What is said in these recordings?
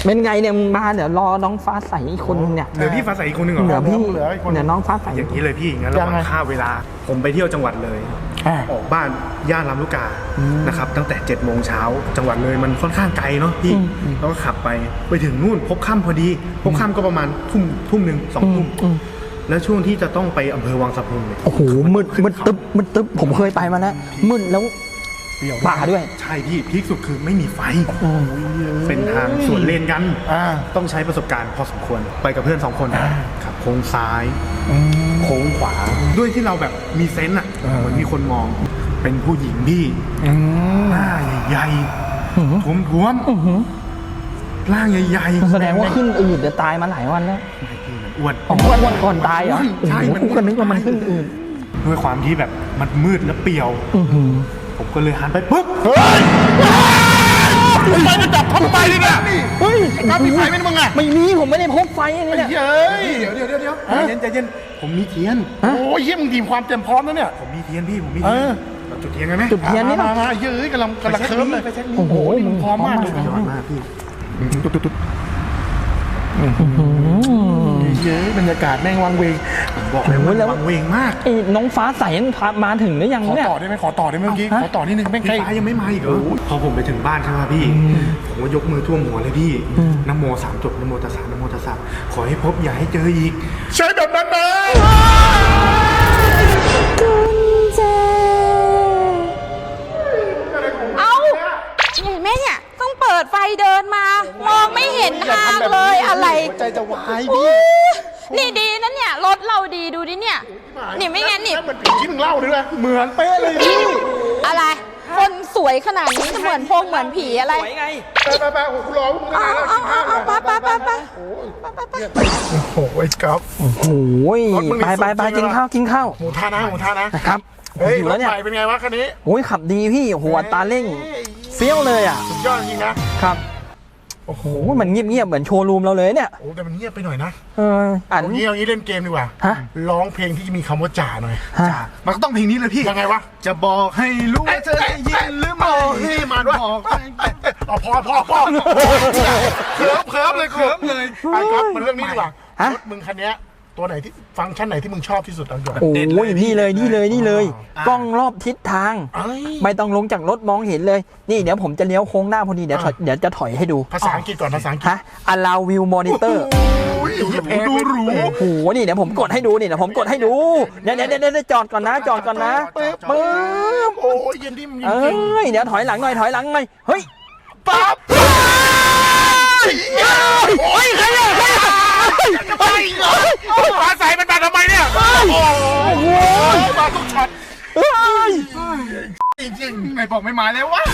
เป็นไงเนี่ยมาเดี๋ยวรอน้องฟ้าใสอีกคนนึงเนี่ยเหลือพี่ฟ้าใสอีกคนหนึ่งเหรอเหลือพี่เหลืออีกคนเดี๋ยวน้องฟ้าใสอย่างนี้เลยพี่งั้นเรามาฆ่าเวลาผมไปเที่ยวจังหวัดเลยออกบ้านย่านลำลูกกานะครับตั้งแต่7 โมงเช้าจังหวัดเลยมันค่อนข้างไกลเนาะพี่แล้วก็ขับไปถึงนู่นพบค่ำพอดีพบค่ำก็ประมาณทุ่มหนึ่ง2 ทุ่มแล้วช่วงที่จะต้องไปอำเภอวังสะพุงเนี่ยโอ้โหมืดตึ๊บผมเคยไปมาแล้วมืดแล้วป่าด้วยใช่พี่พีคสุดคือไม่มีไฟเป็นทางสวนเลนกันต้องใช้ประสบการณ์พอสมควรไปกับเพื่อน2 คนขับโค้งซ้ายโค้งขวาด้วยที่เราแบบมีเซนส์อ่ะเหมือนมีคนมองเป็นผู้หญิงพี่หน้าใหญ่ๆท้วมๆร่างใหญ่ๆแสดงว่าขึ้นอืดจะตายมาหลายวันแล้วอ้วนก่อนตายเหรอใช่มันก็นึกว่ามันขึ้นอืดด้วยความที่แบบมันมืดและเปลี่ยวผมก็เลยหันไปปุ๊บไฟมันจับเข้าไปเลยเนี่ยเฮ้ยครับมีไฟไหมมึงอะไม่มีผมไม่ได้พกไฟอันนี้เนี่ยเฮ้ยเดี๋ยวใจเย็นผมมีเทียนโอ้ยเยี่ยมทีมความเต็มพร้อมแล้วเนี่ยผมมีเทียนพี่ผมมีเทียนเราจุดเทียนกันไหมจุดเทียนนี่มาเยอะกำลังเคิร์ฟเลยโอ้โหมึงพร้อมมากเลยยอดมากพี่ตุ๊ดเยอะบรรยากาศแม่งวังเวงบอกเลยว่าวังเวงมากน้องฟ้าใสมาถึงหรือยังเนี่ยขอต่อได้ไหมขอต่อได้ไหมเมื่อกี้ขอต่อนิดนึงแม่งใครยังไม่มาอีกเหรอพอผมไปถึงบ้านใช่ไหมพี่ผมก็ยกมือท่วมหัวเลยพี่นะโม3 จบนะโมตัสสะนะโมตัสสะขอให้พบอย่าให้เจออีกใช่แบบนั้นนะเอาเห็นไหมเนี่ยต้องเปิดไฟเดินมามองไม่เห็นทางเลยอะไรใจจะวายพี่นี่ดีนะเนี่ยรถเราดีดูดิเนี่ยนี่ไม่งั้นนี่เหมือนผีที่มึงเล่าเลยเหมือนเป๊ะเลยพี่อะไรคนสวยขนาดนี้จะเหมือนพงเหมือนผีอะไรสวยไงไปโอ้โหกูรอมึงเอาไปโอ้โหไอ้ก๊อฟโอ้โหไปกินข้าวหมูท่านะครับเฮ้ยรถใหม่เป็นไงวะคันนี้โอ้ยขับดีพี่โอ้โหอัตราเร่งเฟี้ยวเลยอ่ะสุดยอดจริงนะครับโอ้โหมันเงียบเหมือนโชว์รูมเราเลยเนี่ยโอ้แต่มันเงียบไปหน่อยนะอันนี้เอางี้เล่นเกมดีกว่าร้องเพลงที่จะมีคำว่าจ่าหน่อยจ่ามันก็ต้องเพลงนี้เลยพี่ยังไงวะจะบอกให้รู้ว่าเธอได้ยินหรือไม่นี่มาด้วยพอเคิร์ฟเลยไอ้ก๊อฟมันเรื่องนี้ดีกว่ารถมึงคันนี้ตัวไหนที่ฟังก์ชันไหนที่มึงชอบที่สุดอันก่อนโอ้ยนี่เลยกล้องรอบทิศทางไม่ต้องลงจากรถมองเห็นเลยนี่เดี๋ยวผมจะเลี้ยวโค้งหน้าพอดีเดี๋ยวจะถอยให้ดูภาษาอังกฤษก่อนภาษาอังกฤษ allow view monitor ดูหรูโอ้โหนี่เดี๋ยวผมกดให้ดูนี่เดี๋ยวผมกดให้ดูเดี๋ยวจอดก่อนนะปึ๊บโอ้ยเย็นดิมเดี๋ยวถอยหลังหน่อยเฮ้ยปั๊บโอ้ยใครมาใส่มันมาทำไมเนี่ยโอ้โหมาทุกช็อตจริงๆไม่บอกไม่มาแล้ววะ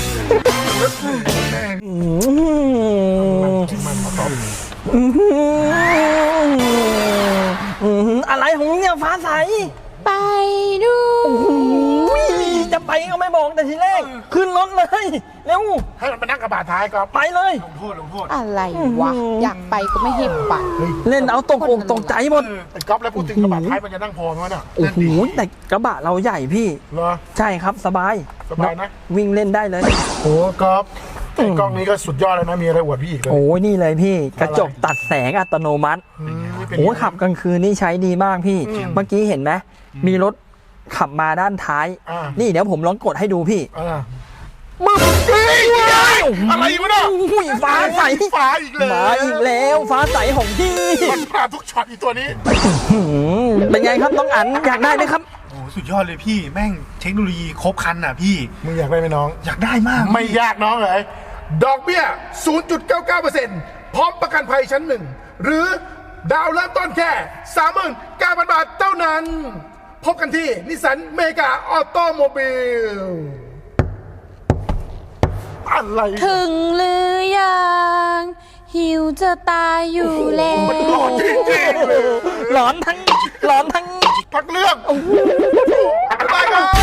อะไรของเนี่ยฟ้าใสไปดูจะไปก็ไม่บอกแต่ทีแรกขึ้นรถเลยเร็วให้มันไปนั่งกระบะท้ายก็ไปเลยลงโทษอะไรวะอยากไปก็ไม่ให้ไปเล่นเอาตกใจหมดไอ้ก๊อฟแล้วพูดถึงกระบะท้ายมันจะนั่งพอไหมวะเนี่ยโอ้โหแต่กระบะเราใหญ่พี่เหรอใช่ครับสบายนะวิ่งเล่นได้เลยโอ้ก๊อฟไอ้กล้องนี้ก็สุดยอดเลยนะมีอะไรอวดพี่อีกเลยโอ้ยนี่เลยพี่กระจกตัดแสงอัตโนมัติโอ้ขับกลางคืนนี่ใช้ดีมากพี่เมื่อกี้เห็นไหมมีรถขับมาด้านท้ายนี่เดี๋ยวผมลองกดให้ดูพี่มึงอะไรวะเนี่ยฟ้าใสฟ้าอีกแล้วฟ้าใสของพี่มันมาทุกช็อตอีตัวนี้เป็นไงครับน้องอั๋นอยากได้ไหมครับโอ้สุดยอดเลยพี่แม่งเทคโนโลยีครบครันอ่ะพี่มึงอยากได้ไหมน้องอยากได้มากไม่ยากน้องเลยดอกเบี้ย 0.99% พร้อมประกันภัยชั้น 1หรือดาวเริ่มต้นแค่ 39,000 บาทเท่านั้นพบกันที่นิสสันเมกาออโตโมบิลอะไรถึงหรือยังหิวจะตายอยู่แล้วมันหลอนจริงๆเลยหลอนทั้งพักเรื่องไปกัน